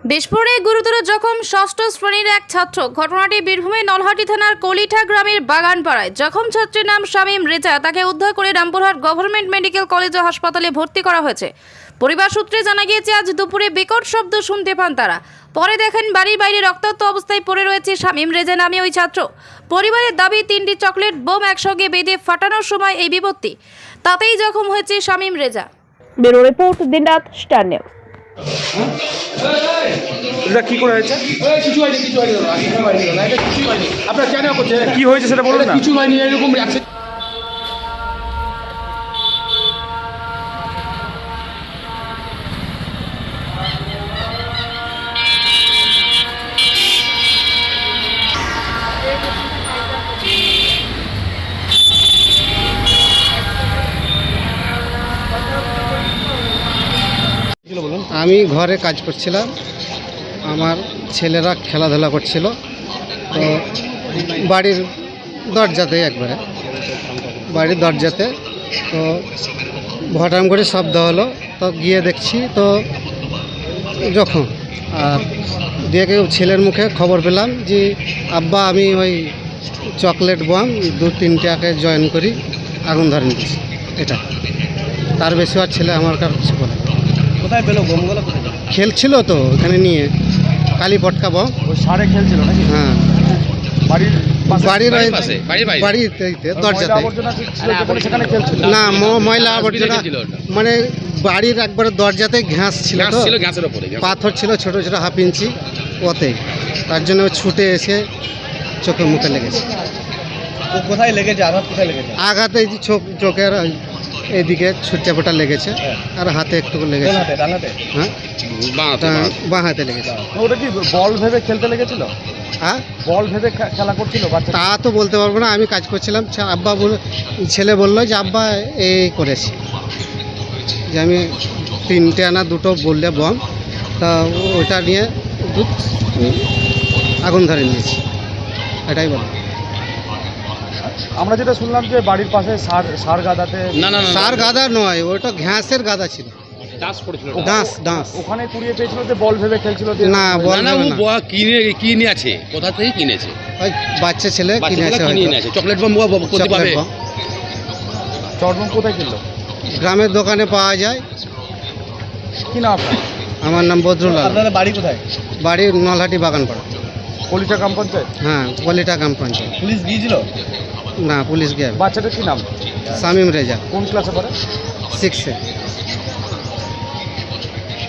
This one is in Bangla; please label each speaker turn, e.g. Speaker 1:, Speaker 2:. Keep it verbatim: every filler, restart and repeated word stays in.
Speaker 1: বিস্ফোরণে গুরুতর জখম ষষ্ঠ শ্রেণীর এক ছাত্র। ঘটনাটি বীরভূমের নলহাটি থানার কলিঠা গ্রামের বাগানপাড়ায়। জখম ছাত্রীর নাম শামীম রেজা। তাকে উদ্ধার করে রামপুরহাট গভর্নমেন্ট মেডিকেল কলেজ ও হাসপাতালে ভর্তি করা হয়েছে। পরিবার সূত্রে জানা গিয়েছে, আজ দুপুরে বিকট শব্দ শুনতে পান তারা। পরে দেখেন বাড়ির বাইরে রক্তাক্ত অবস্থায় পড়ে রয়েছে শামীম রেজা নামে ওই ছাত্র। পরিবারের দাবি, তিনটি চকলেট বোম একসঙ্গে বেঁধে ফাটানোর সময় এই বিপত্তি। তাতেই জখম হয়েছে Shamim Reza. Bureau report, Dinraat star news.
Speaker 2: এটা কি করে হয়েছে?
Speaker 3: কিছু হয়নি, কিছু হয়নি দাদা, কিছু হয়নি দাদা, এটা কিছু হয়নি। আপনার কেন করছেন?
Speaker 2: কি হয়েছে সেটা বলুন না।
Speaker 3: কিছু হয়নি, এরকম অ্যাক্সিডেন্ট।
Speaker 4: আমি ঘরে কাজ করছিলাম, আমার ছেলেরা খেলাধুলা করছিল, তো বাড়ির দরজাতে একবারে বাড়ির দরজাতে তো ভটাম করে শব্দ হলো। তো গিয়ে দেখছি তো যখন আর দিয়ে কেউ ছেলের মুখে খবর পেলাম যে আব্বা আমি ওই চকলেট বম দু তিনটাকে জয়েন করি আগুন ধরে নিচ্ছি। এটা তার বেশি আর ছেলে আমার কাছে কিছু বলে।
Speaker 2: কোথায় পেলো বোমগুলো? কোথায় পেলো?
Speaker 4: খেলছিল তো ওখানে নিয়ে কালী পটকা বম।
Speaker 2: ওই সারে খেলছিল নাকি?
Speaker 4: হ্যাঁ,
Speaker 2: বাড়ির পাশে?
Speaker 4: বাড়ির ওই
Speaker 5: পাশে, বাড়ির বাইরে?
Speaker 4: বাড়িতে
Speaker 2: ওই
Speaker 4: দরজাতে।
Speaker 2: ময়লা আবর্জনা ছিল যেখানে সেখানে খেলছিল?
Speaker 4: না, ম- ময়লা আবর্জনা
Speaker 5: ছিল ওটা।
Speaker 4: মানে বাড়ির একবারে দরজাতে ঘাস ছিল,
Speaker 5: ঘাস
Speaker 4: তো
Speaker 5: ছিল, ঘাসের উপরে ঘাস।
Speaker 4: পাথর ছিল ছোট ছোট হাফ ইঞ্চি, ওতে তার জন্য ও ছুটে এসে চোখে মুখে লেগেছে।
Speaker 2: ও কোথায় লেগেছে? আঘাত কোথায় লেগেছে?
Speaker 4: আঘাতে এই যে চোখ চোখের এইদিকে ছুটচাপটা লেগেছে, আর হাতে একটু
Speaker 2: কোন
Speaker 4: লেগেছে।
Speaker 2: হাতে? ডান হাতে?
Speaker 4: হ্যাঁ,
Speaker 5: বাঁহাতে,
Speaker 4: তা
Speaker 5: বাঁহাতে।
Speaker 4: বাঁ হাতে লেগেছে।
Speaker 2: ওটা কি বল ভেবে খেলতে লেগেছিল?
Speaker 4: হ্যাঁ,
Speaker 2: বল ভেবে খে- খেলা করছিল বাচ্চা?
Speaker 4: তা তো বলতে পারবো না, আমি কাজ করছিলাম। ছা- আব্বা বলে ছেলে বললো যে আব্বা এই করেছি, যে আমি তিনটে আনা দুটো বললে বম, তা ওইটা নিয়ে দুধ আগুন ধরে নিয়েছি, এটাই বলো।
Speaker 2: আমরা যেটা শুনলাম যে বাড়ির পাশে সার সার গাদাতে
Speaker 5: না না না,
Speaker 4: সার গাদা নয়, ওটা ঘাসের গাদা ছিল,
Speaker 5: ডাস পড়েছিল।
Speaker 4: ডাঁস ডাঁস।
Speaker 2: ওখানে কুড়িয়ে পেয়েছিল যে বল ভেবে খেলছিল যে?
Speaker 4: না, বল
Speaker 5: না না, ও
Speaker 4: ভেবে না।
Speaker 5: বয়া কিনে কিনে আছে, কোথা থেকে কিনেছে?
Speaker 4: ওই বাচ্চা ছেলে
Speaker 5: বাচ্চা
Speaker 4: কিনেছে
Speaker 5: থেকে কিনে
Speaker 4: হয়তো।
Speaker 5: এনেছে। চকলেট বম ও কোথায়
Speaker 4: চকলেট
Speaker 5: পাবে?
Speaker 4: বম
Speaker 2: চটবম কোথায় কিনলো?
Speaker 4: গ্রামের দোকানে পাওয়া যায়।
Speaker 2: কি নাম আপনার?
Speaker 4: আমার নাম বদরুল আলম,
Speaker 2: আপনাদের বাড়ি কোথায়?
Speaker 4: বাড়ি নলহাটি বাগানপাড়া।
Speaker 2: কলিটা গ্রাম পঞ্চায়েত?
Speaker 4: হ্যাঁ, কলিটা গ্রাম পঞ্চায়েত।
Speaker 2: পুলিশ গিয়েছিল?
Speaker 4: না, পুলিশ গিয়ে।
Speaker 2: বাচ্চাটার কি নাম?
Speaker 4: শামীম রেজা,
Speaker 2: কোন ক্লাসে পড়ে?
Speaker 4: সিক্সে।